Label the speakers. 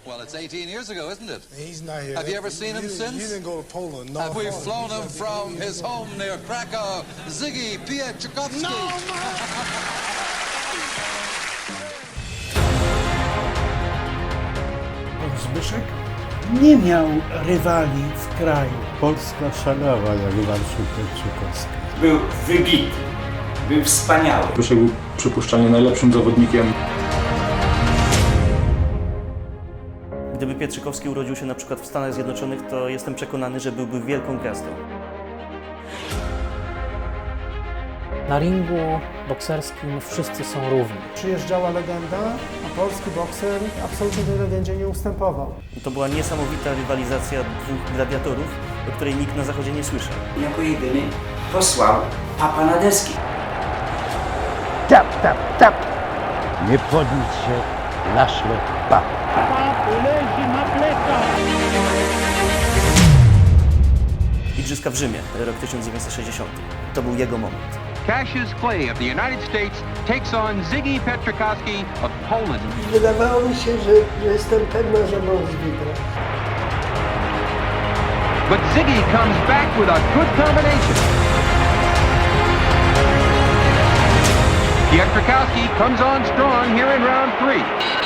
Speaker 1: Well, it's 18 years ago, isn't it?
Speaker 2: He's not here.
Speaker 1: Have you ever seen him since?
Speaker 2: He didn't go to Poland. No.
Speaker 1: Have we flown him from his home near Krakow? Ziggy Pietrzykowski.
Speaker 2: No,
Speaker 3: Zbyszek nie miał rywali w kraju.
Speaker 4: Polska szalała jak Warszaw Pietrzykowski.
Speaker 5: Był wybitny, był wspaniały.
Speaker 6: Zbyszek był przypuszczalnie najlepszym zawodnikiem.
Speaker 7: Gdyby Pietrzykowski urodził się na przykład w Stanach Zjednoczonych, to jestem przekonany, że byłby wielką gwiazdą.
Speaker 8: Na ringu bokserskim wszyscy są równi.
Speaker 9: Przyjeżdżała legenda, a polski bokser absolutnie tej legendzie nie ustępował.
Speaker 7: To była niesamowita rywalizacja dwóch gladiatorów, o której nikt na Zachodzie nie słyszał.
Speaker 5: Jako jedyny posłał papa na deski.
Speaker 4: Tap, tap, tap! Nie podniósł się na szlok pap.
Speaker 7: Igrzyska w Rzymie, rok 1960. To był jego moment.
Speaker 10: Cassius Clay of the United States takes on Ziggy Pietrzykowski of Poland.
Speaker 9: Wydawało mi się, że jestem pewna, że mąż wygra.
Speaker 10: But Ziggy comes back with a good combination. Pietrzykowski comes on strong here in round 3.